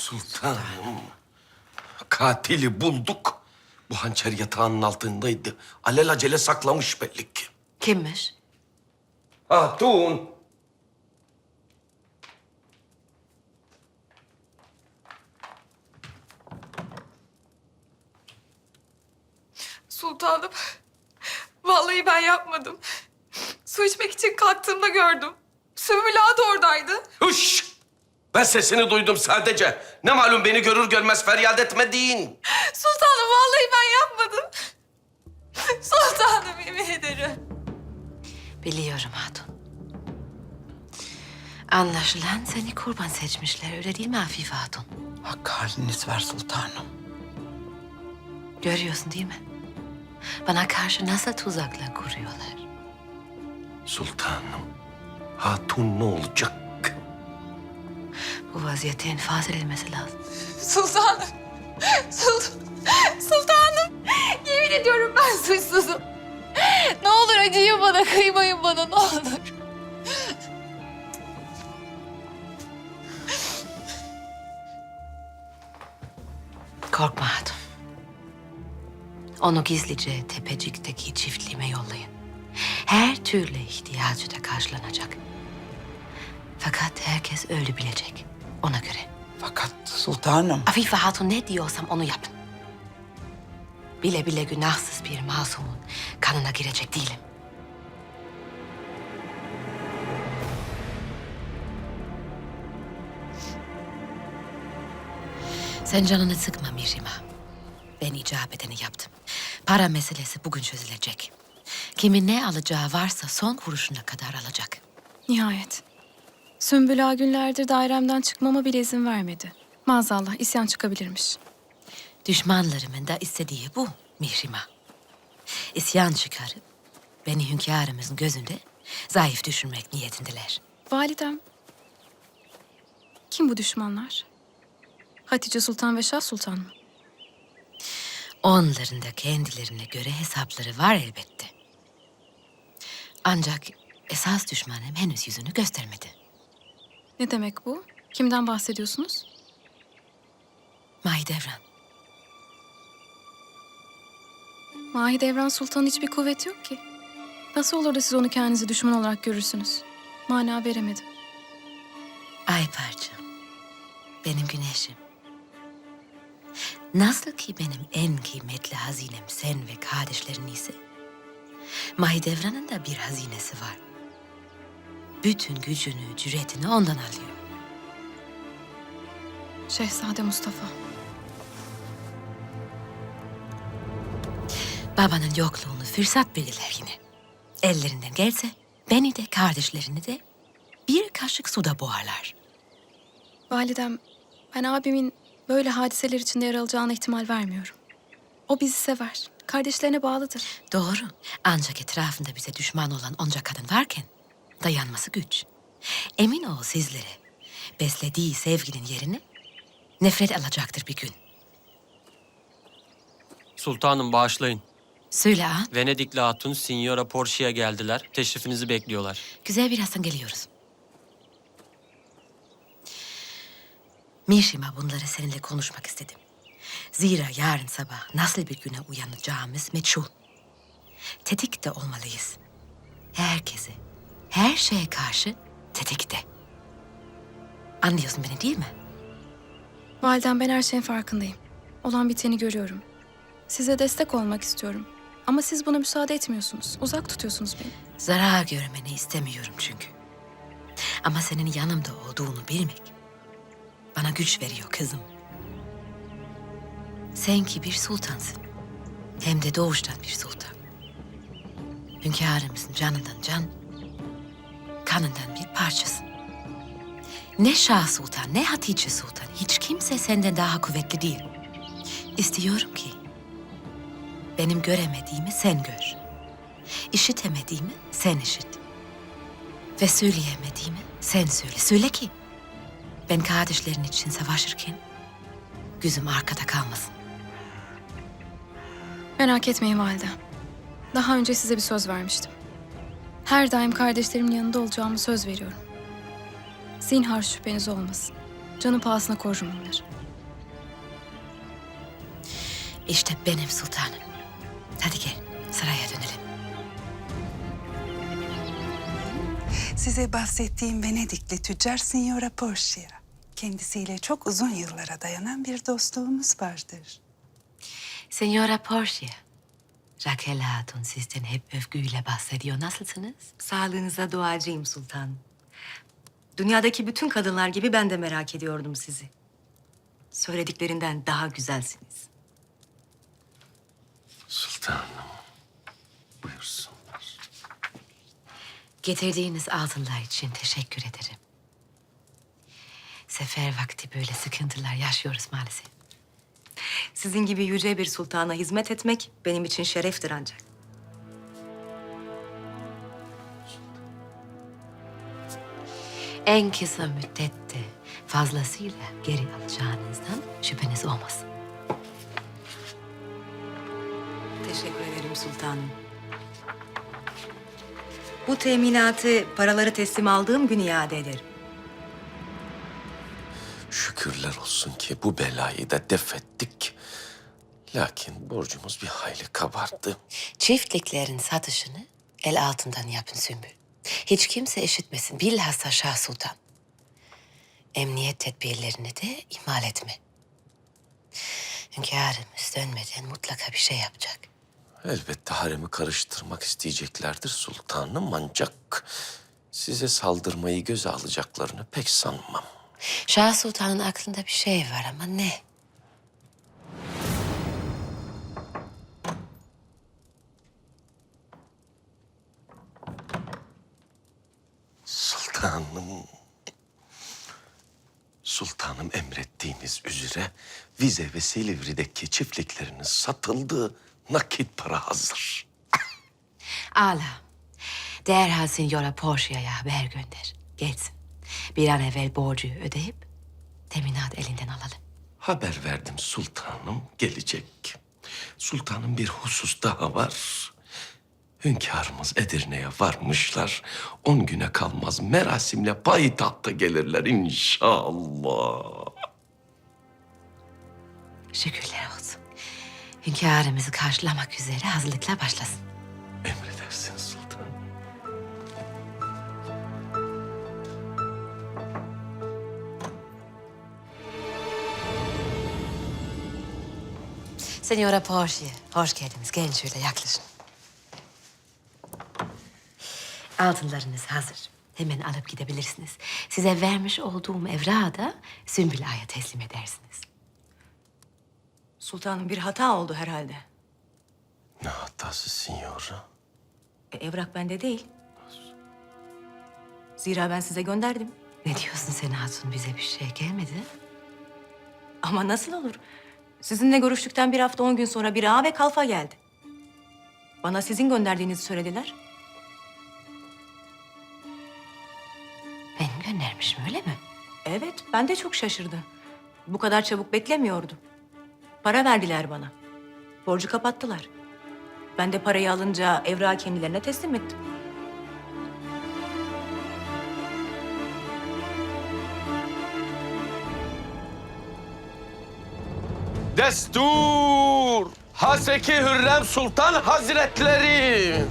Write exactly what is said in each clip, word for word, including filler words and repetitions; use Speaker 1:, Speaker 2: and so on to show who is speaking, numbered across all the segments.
Speaker 1: Sultanım, katili bulduk. Bu hançer yatağının altındaydı. Alelacele saklamış belli ki.
Speaker 2: Kimmiş?
Speaker 1: Hatun.
Speaker 3: Sultanım, vallahi ben yapmadım. Su içmek için kalktığımda gördüm. Sümbül Ağa da oradaydı.
Speaker 1: Hış! Ben sesini duydum sadece. Ne malum beni görür görmez feryat etmediğin.
Speaker 3: Sultanım, vallahi ben yapmadım. Sultanım, yemin ederim.
Speaker 2: Biliyorum hatun. Anlaşılan seni kurban seçmişler, öyle değil mi Afife Hatun?
Speaker 4: Hakkı haliniz var sultanım.
Speaker 2: Görüyorsun değil mi? Bana karşı nasıl tuzaklar kuruyorlar.
Speaker 1: Sultanım, hatun ne olacak?
Speaker 2: Bu vaziyette infaz edilmesi lazım.
Speaker 3: Sultanım, Sultan, sultanım. Yemin ediyorum ben suçsuzum. Ne olur acıyın bana, kıymayın bana, ne olur.
Speaker 2: Korkma hatun. Onu gizlice tepecikteki çiftliğime yollayın. Her türlü ihtiyacı da karşılanacak. Fakat herkes öyle bilecek. Ona göre.
Speaker 4: Fakat sultanım.
Speaker 2: Afife Hatun ne diyorsam onu yapın. Bile bile günahsız bir masumun kanına girecek değilim. Sen canını sıkma Mirima. Ben icap edeni yaptım. Para meselesi bugün çözülecek. Kimin ne alacağı varsa son kuruşuna kadar alacak.
Speaker 5: Nihayet. Sümbül Ağa günlerdir dairemden çıkmama bile izin vermedi. Maazallah isyan çıkabilirmiş.
Speaker 2: Düşmanlarımın da istediği bu Mirima. İsyan çıkarıp beni hünkârımızın gözünde zayıf düşürmek niyetindeler.
Speaker 5: Validem. Kim bu düşmanlar? Hatice Sultan ve Şah Sultan mı?
Speaker 2: Onların da kendilerine göre hesapları var elbette. Ancak esas düşmanım henüz yüzünü göstermedi.
Speaker 5: Ne demek bu? Kimden bahsediyorsunuz?
Speaker 2: Mahidevran.
Speaker 5: Mahidevran Sultan'ın hiçbir kuvveti yok ki. Nasıl olur da siz onu kendinizi düşman olarak görürsünüz? Mana veremedim.
Speaker 2: Ay parçam. Benim güneşim. Nasıl ki benim en kıymetli hazinem sen ve kardeşlerin ise, Mahidevran'ın da bir hazinesi var. Bütün gücünü, cüretini ondan alıyor.
Speaker 5: Şehzade Mustafa.
Speaker 2: Babanın yokluğunu fırsat bilirler yine. Ellerinden gelse beni de kardeşlerini de bir kaşık suda boğarlar.
Speaker 5: Validem, ben abimin böyle hadiseler içinde yer alacağına ihtimal vermiyorum. O bizi sever. Kardeşlerine bağlıdır.
Speaker 2: Doğru. Ancak etrafında bize düşman olan onca kadın varken dayanması güç. Emin ol sizlere beslediği sevginin yerini nefret alacaktır bir gün.
Speaker 6: Sultanım bağışlayın.
Speaker 2: Söyle ağam.
Speaker 6: Venedikli Hatun, Signora Portia'ya geldiler. Teşrifinizi bekliyorlar.
Speaker 2: Güzel, birazdan geliyoruz. Mişima, bunları seninle konuşmak istedim. Zira yarın sabah nasıl bir güne uyanacağımız meçhul. Tetikte olmalıyız. Herkese, her şeye karşı tetikte. Anlıyorsun beni değil mi?
Speaker 5: Validem, ben her şeyin farkındayım. Olan biteni görüyorum. Size destek olmak istiyorum. Ama siz buna müsaade etmiyorsunuz. Uzak tutuyorsunuz beni.
Speaker 2: Zarar görmeni istemiyorum çünkü. Ama senin yanımda olduğunu bilmek bana güç veriyor kızım. Sen ki bir sultansın. Hem de doğuştan bir sultan. Hünkârımızın canından can, kanından bir parçasın. Ne Şah Sultan, ne Hatice Sultan, hiç kimse senden daha kuvvetli değil. İstiyorum ki benim göremediğimi sen gör. İşitemediğimi sen işit. Ve söyleyemediğimi sen söyle. Söyle ki ben kardeşlerin için savaşırken gözüm arkada kalmasın.
Speaker 5: Merak etmeyin validem. Daha önce size bir söz vermiştim. Her daim kardeşlerimin yanında olacağımı söz veriyorum. Zinhar şüpheniz olmasın. Canı pahasına korurum onları.
Speaker 2: İşte benim sultanım. Hadi gel, saraya dönelim.
Speaker 7: Size bahsettiğim Venedikli tüccar Signora Portia. Kendisiyle çok uzun yıllara dayanan bir dostluğumuz vardır.
Speaker 2: Signora Portia. Raquel Hatun sizden hep övgüyle bahsediyor. Nasılsınız?
Speaker 8: Sağlığınıza duacıyım sultanım. Dünyadaki bütün kadınlar gibi ben de merak ediyordum sizi. Söylediklerinden daha güzelsiniz.
Speaker 1: Sultanım, buyursunlar.
Speaker 2: Getirdiğiniz altınlar için teşekkür ederim. Sefer vakti böyle sıkıntılar yaşıyoruz maalesef.
Speaker 8: Sizin gibi yüce bir sultana hizmet etmek benim için şereftir ancak.
Speaker 2: En kısa müddette fazlasıyla geri alacağınızdan şüpheniz olmasın.
Speaker 8: Teşekkür ederim sultanım. Bu teminatı paraları teslim aldığım gün iade ederim.
Speaker 1: Şükürler olsun ki bu belayı da def ettik. Lakin borcumuz bir hayli kabardı.
Speaker 2: Çiftliklerin satışını el altından yapın Sümbül. Hiç kimse işitmesin, bilhassa Şah Sultan. Emniyet tedbirlerini de ihmal etme. Hünkârımız dönmeden mutlaka bir şey yapacak.
Speaker 1: Elbette haremi karıştırmak isteyeceklerdir sultanım, ancak size saldırmayı göze alacaklarını pek sanmam.
Speaker 2: Şah Sultan'ın aklında bir şey var ama ne?
Speaker 1: Sultanım. Sultanım, emrettiğiniz üzere Vize ve Silivri'deki çiftlikleriniz satıldı. Nakit para hazır.
Speaker 2: Ala. Derhal Signora Portia'ya haber gönder. Gelsin. Bir an evvel borcu ödeyip teminat elinden alalım.
Speaker 1: Haber verdim sultanım, gelecek. Sultanım, bir husus daha var. Hünkârımız Edirne'ye varmışlar. On güne kalmaz merasimle payitahta gelirler inşallah.
Speaker 2: Şükürler olsun. Hünkârımızı karşılamak üzere hazırlıklar başlasın.
Speaker 1: Emredersiniz sultanım.
Speaker 2: Signora Portia, hoş geldiniz. Gelin şöyle yaklaşın. Altınlarınız hazır. Hemen alıp gidebilirsiniz. Size vermiş olduğum evrağı da Sümbül Ağa'ya teslim edersiniz.
Speaker 8: Sultanım, bir hata oldu herhalde.
Speaker 1: Ne hatası signora?
Speaker 8: E, evrak bende değil. Zira ben size gönderdim.
Speaker 2: Ne diyorsun sen Hatun? Bize bir şey gelmedi.
Speaker 8: Ama nasıl olur? Sizinle görüştükten bir hafta on gün sonra bir ağa ve kalfa geldi. Bana sizin gönderdiğinizi söylediler.
Speaker 2: Benim göndermişim öyle mi?
Speaker 8: Evet, ben de çok şaşırdım. Bu kadar çabuk beklemiyordum. Para verdiler bana. Borcu kapattılar. Ben de parayı alınca evrağı kendilerine teslim ettim.
Speaker 1: Destur! Haseki Hürrem Sultan Hazretleri!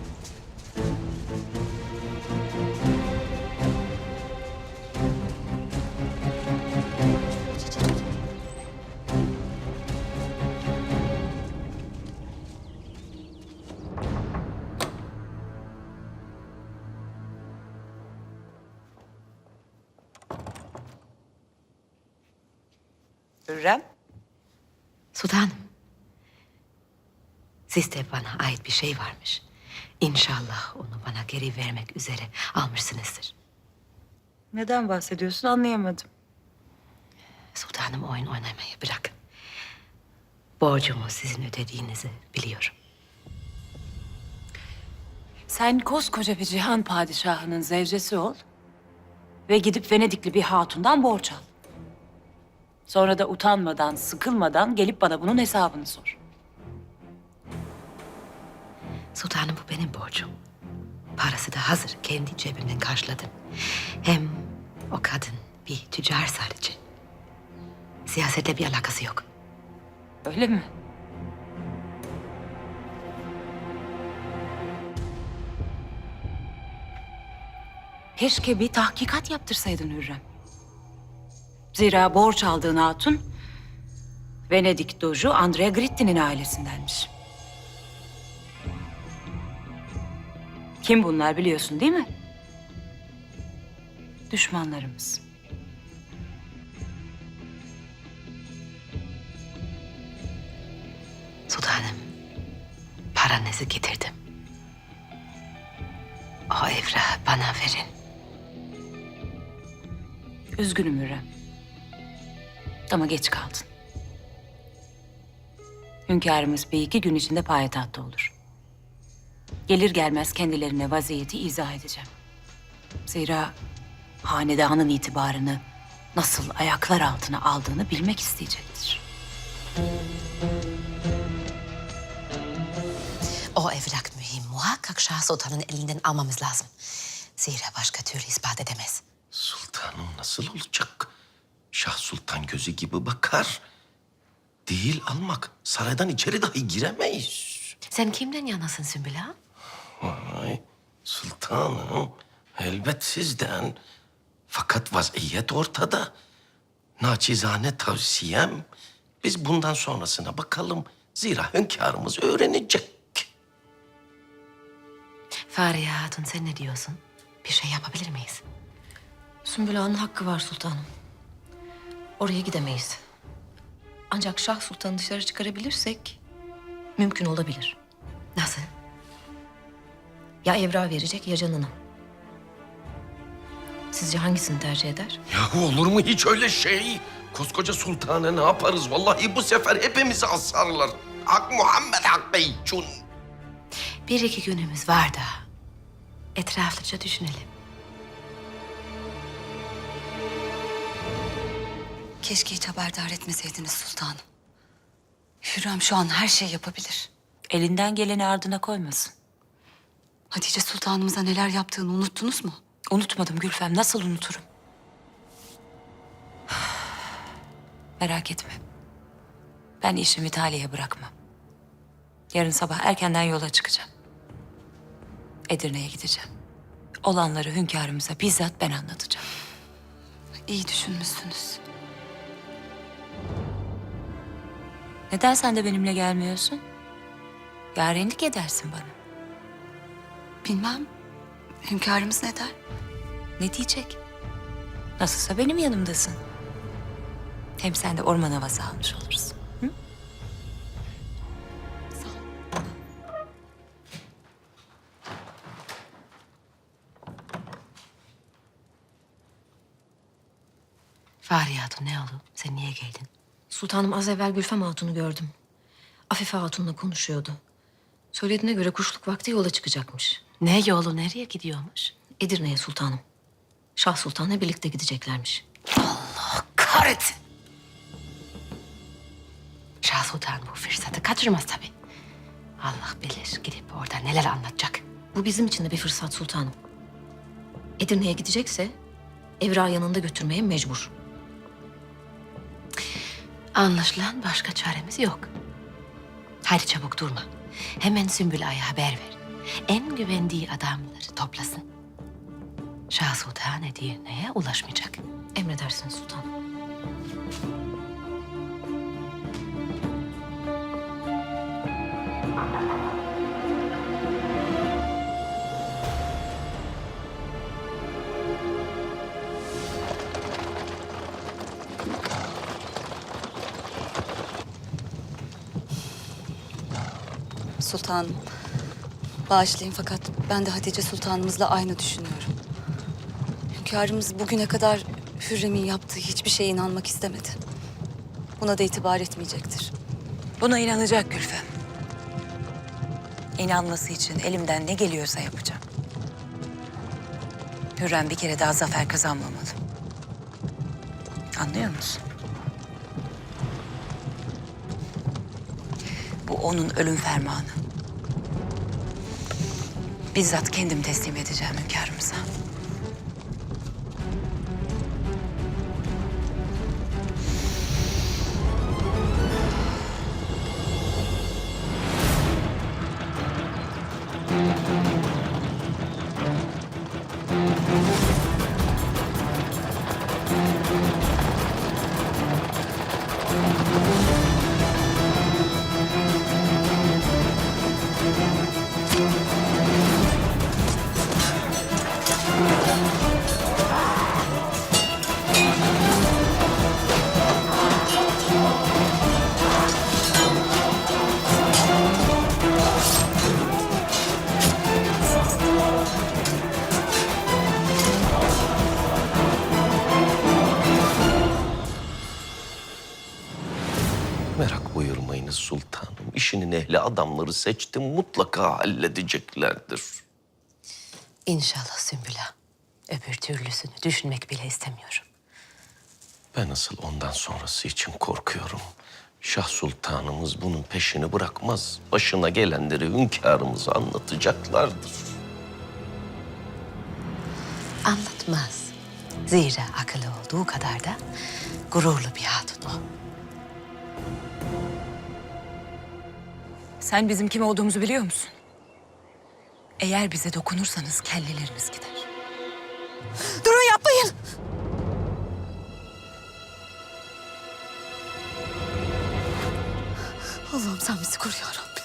Speaker 4: Hürrem.
Speaker 2: Sultanım. Sizde bana ait bir şey varmış. İnşallah onu bana geri vermek üzere almışsınızdır.
Speaker 8: Neden bahsediyorsun anlayamadım.
Speaker 2: Sultanım, oyun oynamayı bırakın. Borcumu sizin ödediğinizi biliyorum.
Speaker 9: Sen koskoca bir cihan padişahının zevcesi ol ve gidip Venedikli bir hatundan borç al. Sonra da utanmadan, sıkılmadan gelip bana bunun hesabını sor.
Speaker 2: Sultanım, bu benim borcum. Parası da hazır. Kendi cebimden karşıladım. Hem o kadın bir tüccar sadece. Siyasetle bir alakası yok.
Speaker 9: Öyle mi? Keşke bir tahkikat yaptırsaydın Hürrem. Zira borç aldığın hatun Venedik Doju Andrea Gritti'nin ailesindenmiş. Kim bunlar biliyorsun değil mi? Düşmanlarımız.
Speaker 2: Sultanım, paranızı getirdim. O evrağı bana verin.
Speaker 9: Üzgünüm Hürrem. Ama geç kaldın. Hünkârımız bir iki gün içinde payitahtta olur. Gelir gelmez kendilerine vaziyeti izah edeceğim. Zira hanedanın itibarını nasıl ayaklar altına aldığını bilmek isteyecektir.
Speaker 2: O evrak mühim. Muhakkak Şah Sultan'ın elinden almamız lazım. Zira başka türlü ispat edemez.
Speaker 1: Sultanım nasıl olacak? Şah Sultan gözü gibi bakar. Değil almak. Saraydan içeri dahi giremeyiz.
Speaker 2: Sen kimden yanasın Sümbül Ağa?
Speaker 1: Vay sultanım. Elbet sizden. Fakat vaziyet ortada. Naçizane tavsiyem. Biz bundan sonrasına bakalım. Zira hünkârımız öğrenecek.
Speaker 2: Fahriye Hatun sen ne diyorsun? Bir şey yapabilir miyiz?
Speaker 10: Sümbül Ağa'nın hakkı var sultanım. Oraya gidemeyiz. Ancak Şah Sultan'ı dışarı çıkarabilirsek mümkün olabilir.
Speaker 2: Nasıl?
Speaker 10: Ya evrağı verecek ya canını. Sizce hangisini tercih eder?
Speaker 1: Yahu olur mu hiç öyle şey? Koskoca sultana ne yaparız? Vallahi bu sefer hepimizi asarlar. Hak Muhammed Hakkı için.
Speaker 2: Bir iki günümüz var daha. Etraflıca düşünelim.
Speaker 11: Keşke hiç haberdar etmeseydiniz sultanım. Hürrem şu an her şeyi yapabilir.
Speaker 9: Elinden geleni ardına koymasın.
Speaker 11: Hatice sultanımıza neler yaptığını unuttunuz mu?
Speaker 9: Unutmadım Gülfem. Nasıl unuturum? Merak etme. Ben işimi talihe bırakmam. Yarın sabah erkenden yola çıkacağım. Edirne'ye gideceğim. Olanları hünkârımıza bizzat ben anlatacağım.
Speaker 11: İyi düşünmüşsünüz.
Speaker 9: Neden sen de benimle gelmiyorsun? Yarenlik edersin bana.
Speaker 11: Bilmem. Hünkârımız ne der?
Speaker 9: Ne diyecek? Nasılsa benim yanımdasın. Hem sen de orman havası almış olursun. Hı?
Speaker 2: Fahriye Hatun ne oldu? Sen niye geldin?
Speaker 10: Sultanım az evvel Gülfem Hatun'u gördüm. Afife Hatun'la konuşuyordu. Söylediğine göre kuşluk vakti yola çıkacakmış.
Speaker 2: Ne yolu, nereye gidiyormuş?
Speaker 10: Edirne'ye sultanım. Şah Sultan'la birlikte gideceklermiş.
Speaker 2: Kahretsin! Şah Sultan bu fırsatı kaçırmaz tabii. Allah bilir gidip orada neler anlatacak.
Speaker 10: Bu bizim için de bir fırsat sultanım. Edirne'ye gidecekse evrağı yanında götürmeye mecbur.
Speaker 2: Anlaşılan başka çaremiz yok. Hadi çabuk durma. Hemen Sümbül Ağa'ya haber ver. En güvendiği adamları toplasın. Şah Sultan Edirne'ye ulaşmayacak.
Speaker 10: Emredersiniz sultanım.
Speaker 11: Sultanım. Bağışlayın fakat ben de Hatice sultanımızla aynı düşünüyorum. Hünkârımız bugüne kadar Hürrem'in yaptığı hiçbir şeye inanmak istemedi. Buna da itibar etmeyecektir.
Speaker 9: Buna inanacak Gülfem. İnanması için elimden ne geliyorsa yapacağım. Hürrem bir kere daha zafer kazanmamalı. Anlıyor musun? Bu onun ölüm fermanı. Bizzat kendim teslim edeceğim hünkârımıza.
Speaker 11: Thank you.
Speaker 1: sultanım. İşinin ehli adamları seçtim. Mutlaka halledeceklerdir.
Speaker 2: İnşallah Sümbüla. Öbür türlüsünü düşünmek bile istemiyorum.
Speaker 1: Ben asıl ondan sonrası için korkuyorum. Şah Sultanımız bunun peşini bırakmaz. Başına gelenleri hünkârımıza anlatacaklardır.
Speaker 2: Anlatmaz. Zira akıllı olduğu kadar da gururlu bir hatun o.
Speaker 9: Sen bizim kim olduğumuzu biliyor musun? Eğer bize dokunursanız kelleleriniz gider.
Speaker 11: Durun, yapmayın. Allah'ım sen bizi koru ya Rabbi.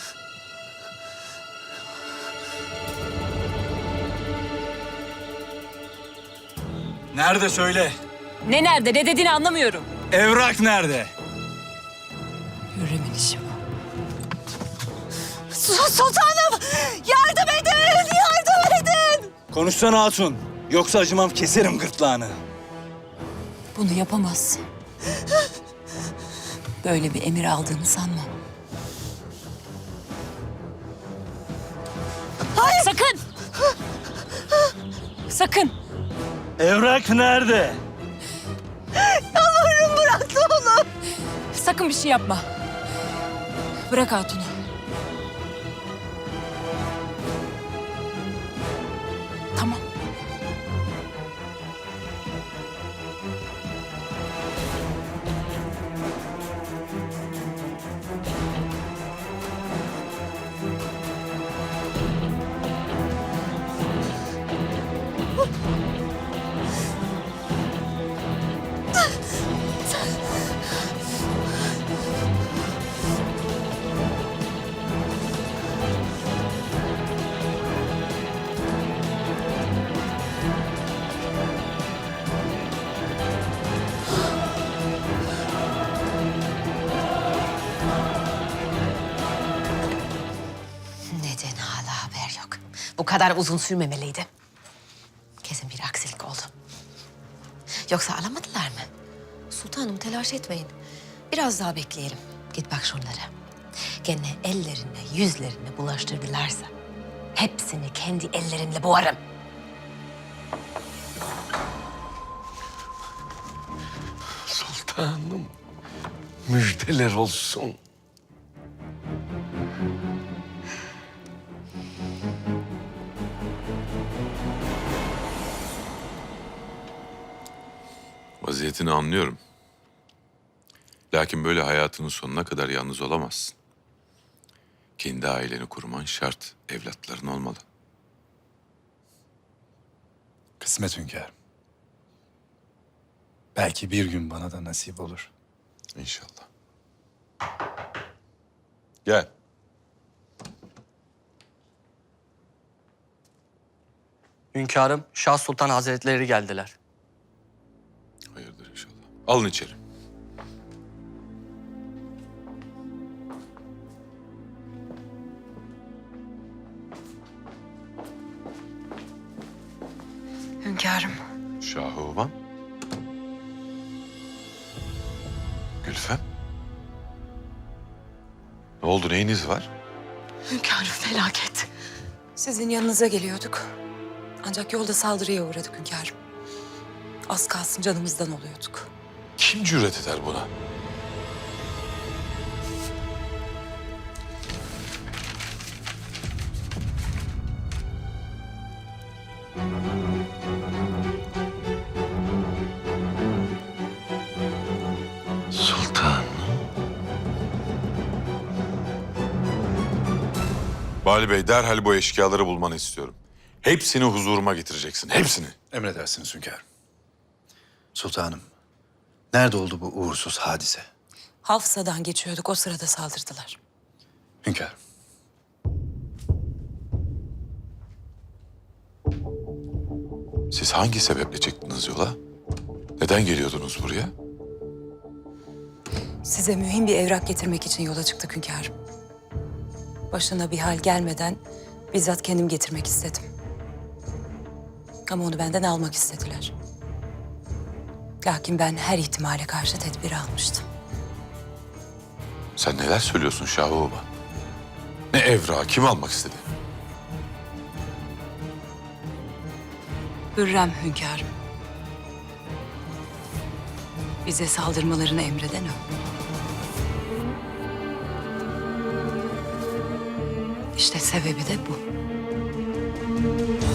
Speaker 12: Nerede söyle?
Speaker 9: Ne nerede, ne dediğini anlamıyorum.
Speaker 12: Evrak nerede?
Speaker 2: Hürrem'in işi bu.
Speaker 11: Sultanım, yardım edin, yardım edin.
Speaker 12: Konuşsana hatun. Yoksa acımam, keserim gırtlağını.
Speaker 9: Bunu yapamazsın. Böyle bir emir aldığını sanmam.
Speaker 11: Hayır.
Speaker 9: Sakın! Sakın!
Speaker 12: Evrak nerede?
Speaker 11: Yalvarırım, bırak ne olur.
Speaker 9: Sakın bir şey yapma. Bırak hatunu. Tamam.
Speaker 2: Neden hala haber yok? Bu kadar uzun sürmemeliydi. Kesin bir aksilik oldu. Yoksa alamadılar mı? Sultanım telaş etmeyin. Biraz daha bekleyelim. Git bak şunlara. Gene ellerine, yüzlerine bulaştırdılarsa hepsini kendi ellerimle boğarım.
Speaker 1: Sultanım, müjdeler olsun.
Speaker 13: Vaziyetini anlıyorum. Lakin böyle hayatının sonuna kadar yalnız olamazsın. Kendi aileni kurman şart. Evlatların olmalı.
Speaker 12: Kısmet hünkârım. Belki bir gün bana da nasip olur.
Speaker 13: İnşallah. Gel.
Speaker 6: Hünkârım, Şah Sultan Hazretleri geldiler.
Speaker 13: Hayırdır inşallah. Alın içeri.
Speaker 2: Hünkârım.
Speaker 13: Şahuman. Gülfem. Ne oldu, neyiniz var?
Speaker 11: Hünkârım, felaket.
Speaker 8: Sizin yanınıza geliyorduk. Ancak yolda saldırıya uğradık hünkârım. Az kalsın canımızdan oluyorduk.
Speaker 13: Kim cüret eder buna?
Speaker 1: Sultanım.
Speaker 13: Bali Bey, derhal bu eşkıyaları bulmanı istiyorum. Hepsini huzuruma getireceksin, hepsini.
Speaker 12: Emredersiniz hünkârım. Sultanım, nerede oldu bu uğursuz hadise?
Speaker 8: Hafsa'dan geçiyorduk, o sırada saldırdılar.
Speaker 12: Hünkârım.
Speaker 13: Siz hangi sebeple çıktınız yola? Neden geliyordunuz buraya?
Speaker 8: Size mühim bir evrak getirmek için yola çıktık hünkârım. Başına bir hal gelmeden bizzat kendim getirmek istedim. Ama onu benden almak istediler. Lakin ben her ihtimale karşı tedbir almıştım.
Speaker 13: Sen neler söylüyorsun Şah Baba? Ne evrağı kim almak istedi?
Speaker 7: Hürrem hünkârım. Bize saldırmalarını emreden o. İşte sebebi de bu.